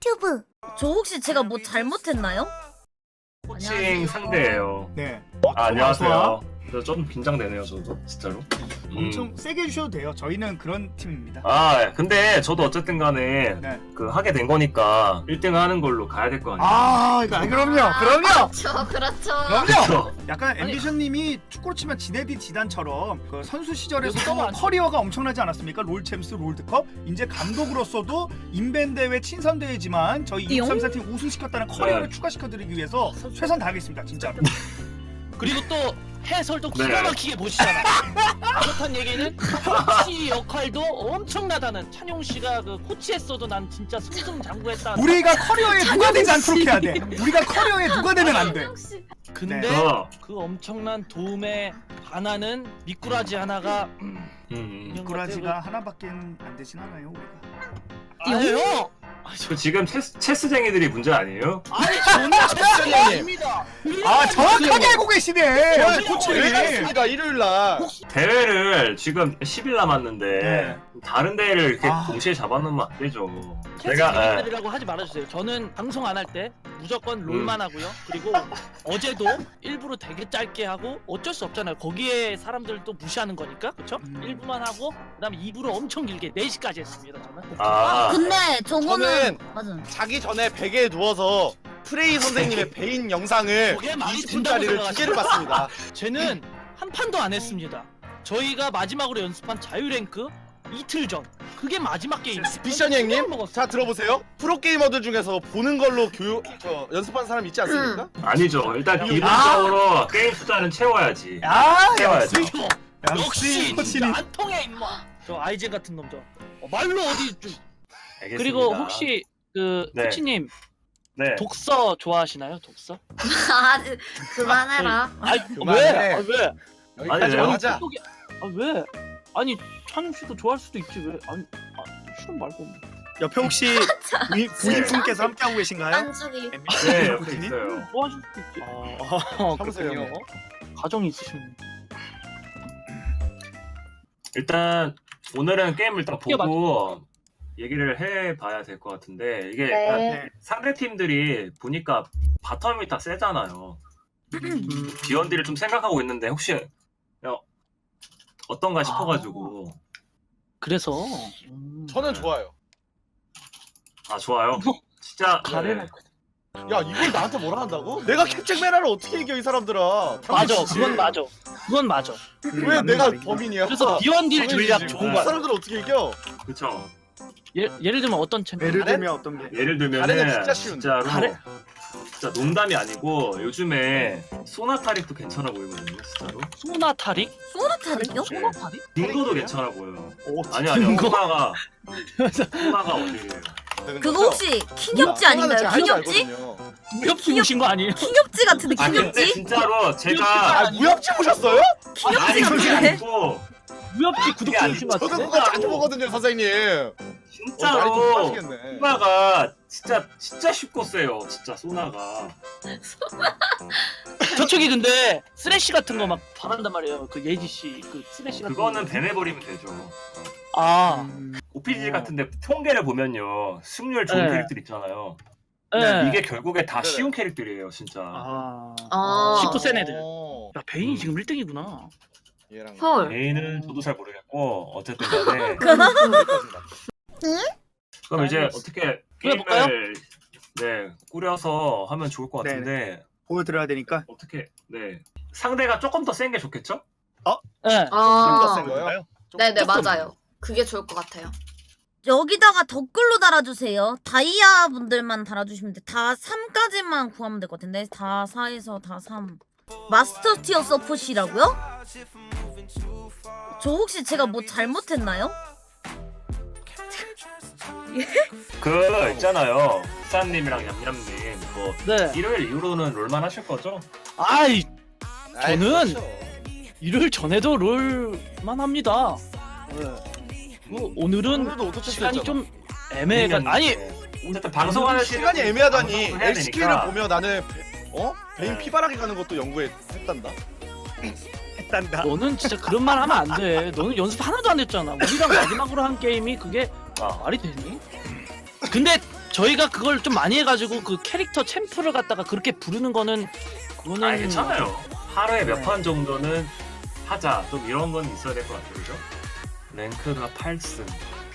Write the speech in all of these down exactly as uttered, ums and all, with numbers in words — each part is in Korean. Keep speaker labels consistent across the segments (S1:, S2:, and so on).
S1: 유튜브. 저 혹시 제가 뭐 잘못했나요?
S2: 코칭 상대예요.
S3: 네.
S2: 아, 안녕하세요. 저 좀 긴장되네요, 저도 진짜로.
S3: 엄청
S2: 음.
S3: 세게 해주셔도 돼요. 저희는 그런 팀입니다.
S2: 아, 근데 저도 어쨌든 간에
S3: 네.
S2: 그 하게 된 거니까 일 등 하는 걸로 가야 될 거 아니에요.
S3: 아, 이거 아, 그럼요, 그럼요,
S1: 그렇죠, 그렇죠.
S3: 그럼요.
S2: 그렇죠.
S3: 약간 앰비션님이 축구로 치면 지네디 지단처럼 그 선수
S4: 너무
S3: 시절에서도
S4: 안
S3: 커리어가 엄청나지 않았습니까? 롤챔스, 롤드컵. 이제 감독으로서도 인벤 대회, 친선 대회지만 저희
S1: 띠용?
S3: 이백삼십사 팀 우승시켰다는 커리어를
S2: 네.
S3: 추가시켜드리기 위해서 최선 다하겠습니다, 진짜로.
S4: 그리고 또 해설도 기가
S2: 네.
S4: 막히게 보시잖아. 그렇단 얘기는 코치 역할도 엄청나다는. 찬용 씨가 그 코치했어도 난 진짜 승승장구했다.
S3: 우리가 커리어에 누가 되지 않도록 해야 돼. 우리가 커리어에 누가 되면 안 돼.
S4: 근데
S3: 네.
S2: 어.
S4: 그 엄청난 도움에 반하는 미꾸라지 하나가
S2: 음, 음.
S3: 미꾸라지가 하나밖에 안 되진 않아요, 우리가.
S4: 아니요.
S2: 그 지금 체스, 체스쟁이들이 문제 아니에요?
S4: 아니 저는 체스장입니다.
S3: 아, 정확하게 알고 계시네.
S5: 저희
S3: 코치님.
S5: 코치가 일요일 날
S2: 대회를 지금 십 일 남았는데
S3: 네.
S2: 다른 대회를 이렇게
S3: 아.
S2: 동시에 잡아놓으면 안 되죠. 제가 예.
S4: 체스쟁이들이라고 하지 말아주세요. 저는 방송 안 할 때 무조건 롤만 하고요. 그리고 어제도 일부러 되게 짧게 하고 어쩔 수 없잖아요. 거기에 사람들 또 무시하는 거니까, 그렇죠?
S3: 음.
S4: 일 부만 하고 그다음에 이 부로 엄청 길게 네 시까지 했습니다. 저는.
S2: 아,
S1: 근데 저거는
S5: 저는
S1: 맞아.
S5: 자기 전에 베개에 누워서 프레이 선생님의 베인 영상을
S4: 저게 말이
S5: 이십 분짜리를 두 개를 봤습니다.
S4: 쟤는 한 판도 안 했습니다. 저희가 마지막으로 연습한 자유랭크 이틀 전. 그게 마지막 게임.
S5: 비션이 형님, 자 들어보세요. 프로게이머들 중에서 보는 걸로 교육, 저 연습한 사람 있지 않습니까?
S2: 아니죠. 일단
S3: 아.
S2: 기본적으로 게임 숫자는 채워야지.
S3: 아,
S2: 채워야죠.
S3: 역시.
S4: 역시 진짜
S3: 코치님.
S4: 안 통해 임마. 저 아이젠 같은 놈 저. 어, 말로 어디 좀.
S2: 알겠습니다.
S4: 그리고 혹시 그
S2: 네.
S4: 코치님
S2: 네.
S4: 독서 좋아하시나요? 독서?
S1: 아, 그만해라.
S4: 아이
S5: 그만해.
S4: 왜? 아, 왜?
S5: 여기까지
S2: 아니, 왜요?
S5: 하자.
S4: 속이- 아 왜? 아니 찬용 씨도 좋아할 수도 있지 왜? 아니 아, 싫은 말고.
S3: 옆에 혹시 부인, 부인분께서 함께하고 계신가요?
S1: 안주기.
S2: 네, 옆에
S3: 코치님?
S2: 있어요.
S4: 좋아하실 수도 있지. 아,
S5: 참으세요.
S4: 그렇군요. 가정이 있으시면.
S2: 일단 오늘은 게임을 일단
S4: 어떻게
S2: 보고 얘기를 해봐야 될 것 같은데 이게
S1: 네.
S2: 약간
S3: 네.
S2: 상대 팀들이 보니까 바텀이 다 세잖아요.
S3: 음.
S2: 비언디를 좀 생각하고 있는데 혹시 어, 어떤가 싶어가지고
S4: 그래서 음,
S5: 저는 좋아요.
S2: 아 좋아요. 진짜
S4: 가래를.
S2: 네.
S5: 야 이걸 나한테 뭐라 한다고? 내가 캡처 메라를 어떻게 이겨 이 사람들아?
S4: 맞아,
S5: 당연히지.
S4: 그건 맞아. 그건 맞아.
S5: 왜
S3: 맞는
S5: 내가
S3: 말이구나.
S5: 범인이야?
S4: 그래서 비원딜
S5: 당연히지.
S4: 전략 좋은
S5: 이
S4: 거야.
S5: 사람들을 어떻게 이겨?
S2: 그쵸.
S4: 예, 예를 들면 어떤 챔피언?
S3: 예를
S5: 가래?
S3: 들면 어떤 게?
S2: 예를 들면은
S5: 가래는 진짜 쉬운데.
S2: 진짜로
S4: 가래?
S2: 진짜 농담이 아니고 요즘에 소나타릭도 괜찮아 보이거든요. 진짜로.
S4: 소나타릭?
S1: 소나타를요?
S4: 소나타릭?
S2: 딩고도 괜찮아 보여요.
S3: 오,
S2: 아니 아니요.
S4: 딩고?
S2: 소나가 소나가 어디예요?
S1: 그거 혹시 킹엽지 아닌가요? 킹엽지?
S4: 무협지 오신 거 아니에요?
S1: 킹엽지 같은데
S2: 아 근데
S1: 킹엽지?
S2: 진짜로 제가
S5: 아 무협지 보셨어요?
S2: 아니
S1: 킹엽지
S2: 그게
S1: 같은데?
S2: 아니고
S4: 무협지 구독
S2: 그게
S4: 중이신 거
S5: 저도
S4: 같은데?
S5: 그거 자주 보거든요 선생님. 어, 많이 좀
S2: 진짜로
S5: 빠지겠네.
S2: 소나가 진짜 진짜 쉽고 세요. 진짜 소나가.
S4: 저쪽이 근데 쓰레쉬 같은 거 막 잘한단 말이에요. 그 예지 씨그 쓰레쉬 같은
S2: 그거는
S4: 거.
S2: 배내버리면 되죠.
S4: 아,
S3: 음.
S2: 오피지
S4: 어.
S2: 같은데 통계를 보면요 승률 좋은
S4: 네.
S2: 캐릭터 있잖아요.
S4: 예.
S2: 이게 결국에 다
S5: 네네.
S2: 쉬운 캐릭터들이에요 진짜.
S4: 아,
S1: 아.
S4: 십구 센 애들.
S5: 어,
S4: 야 베인이
S2: 음.
S4: 지금 일 등이구나.
S5: 얘랑
S1: 헐.
S2: 메인은 저도 잘 모르겠고 어쨌든 간에 그럼 이제
S4: 알겠어.
S2: 어떻게
S4: 꾸려볼까요?
S2: 게임을 네 꾸려서 하면 좋을 것 같은데
S3: 보여드려야 되니까.
S2: 어떻게 네 상대가 조금 더 센 게 좋겠죠?
S4: 예.
S5: 좀더
S1: 아.
S5: 센 거예요?
S1: 네네
S4: 조금.
S1: 맞아요. 그게 좋을 것 같아요. 여기다가 댓글로 달아주세요. 다이아 분들만 달아주시면 돼. 다 삼까지만 구하면 될 것 같은데. 다 사에서 다 삼. 마스터 티어 서폿이라고요? 저 혹시 제가 뭐 잘못했나요?
S2: 그 있잖아요 부산님이랑 얌얌님 뭐
S4: 네.
S2: 일요일 이후로는 롤만 하실 거죠?
S4: 아이
S5: 아이,
S4: 저는-
S5: 그렇죠.
S4: 일요일 전에도 롤만 합니다. 네. 뭐 오늘은
S5: 오늘도 오토체스
S4: 시간이
S5: 했잖아.
S4: 좀 애매해가 아니
S2: 어쨌든 방송하는
S5: 시간이 애매하다니.
S2: 방송을 해야
S5: 엘씨케이를
S2: 되니까.
S5: 보며 나는 어 베인
S2: 네.
S5: 피바라기 가는 것도 연구했단다.
S3: 했단다.
S4: 너는 진짜 그런 말 하면 안 돼. 너는 연습 하나도 안 했잖아. 우리랑 마지막으로 한 게임이 그게
S2: 아,
S4: 말이 되니? 근데 저희가 그걸 좀 많이 해가지고 그 캐릭터 챔프를 갖다가 그렇게 부르는 거는 그거는
S2: 아 괜찮아요. 하루에 몇
S4: 네.
S2: 판 정도는 하자. 좀 이런 건 있어야 될 것 같아요, 그죠? 랭크가 팔 승.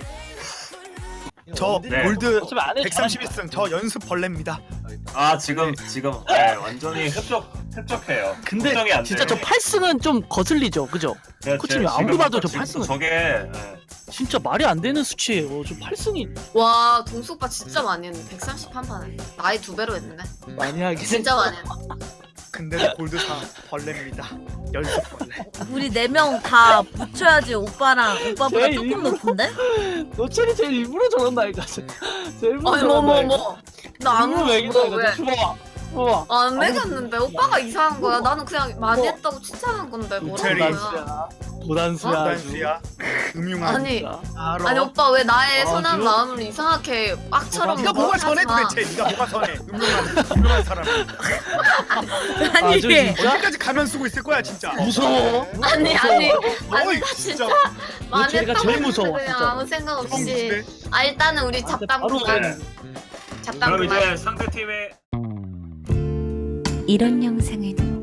S3: 저
S2: 네.
S3: 골드
S4: 어차피 안 해도
S3: 백삼십일 승 저 연습 벌레입니다.
S2: 아 지금 지금 네, 완전히 흡족 흡족해요.
S4: 근데
S2: 걱정이 안
S4: 진짜
S2: 돼요.
S4: 저 팔 승은 좀 거슬리죠, 그죠?
S2: 제가
S4: 코치님
S2: 지금
S4: 아무리 봐도 저
S2: 지금
S4: 팔 승은
S2: 저게 네.
S4: 진짜 말이 안 되는 수치예요. 저 팔 승이
S6: 와 동수 오빠 진짜 많이 했네. 백삼십 한 판에 나이 두 배로 했네.
S4: 많이 하긴
S6: 진짜 많이 했네.
S3: 근데도 골드 사 벌레입니다. 연습 벌레.
S1: 우리 네 명 다 붙여야지 오빠랑 오빠보다
S4: 제일
S1: 조금
S4: 일부러-
S1: 높은데?
S4: 노철이 제일 일부러 저런다니까. 제일 일부러
S6: 아니 뭐 뭐
S4: 저런다니까.
S6: 뭐. 나안
S4: 일부러
S6: 뭐,
S4: 매긴다니까.
S6: 왜?
S4: 줘봐. 봐봐.
S6: 안 매겼는데 오빠가 이상한 거야. 나는 그냥 많이
S4: 뭐.
S6: 했다고 칭찬한 건데
S3: 우체리.
S6: 뭐라는 거야.
S4: 고단수야. 고단수야. 아주.
S3: 단수야. 음흉한.
S6: 아니
S4: 진짜.
S3: 알아.
S6: 아니 오빠 왜 나의
S4: 아,
S6: 선한
S4: 지금-
S6: 마음을 이상하게 빡처럼
S3: 네가 뭐가
S6: 하지
S3: 선해
S6: 마.
S3: 도대체? 네가 뭐가 선해? 음흉한 음흉한 사람.
S1: 아니
S4: 아주 진짜
S3: 언제까지 가면 쓰고 있을 거야 진짜.
S4: 무서워.
S6: 아니 아니
S3: 어이
S6: 진짜
S3: 진짜.
S6: 많이
S4: 우체리가
S6: 했다고
S4: 제일
S6: 했는데
S4: 무서워,
S6: 그냥
S4: 진짜.
S6: 아무 생각 없이.
S3: 무대.
S6: 아 일단은 우리
S4: 나한테
S6: 잡담
S4: 바로
S6: 그만.
S2: 네.
S6: 잡담
S2: 그럼
S6: 그만.
S2: 이제 상대 팀의
S7: 이런 영상은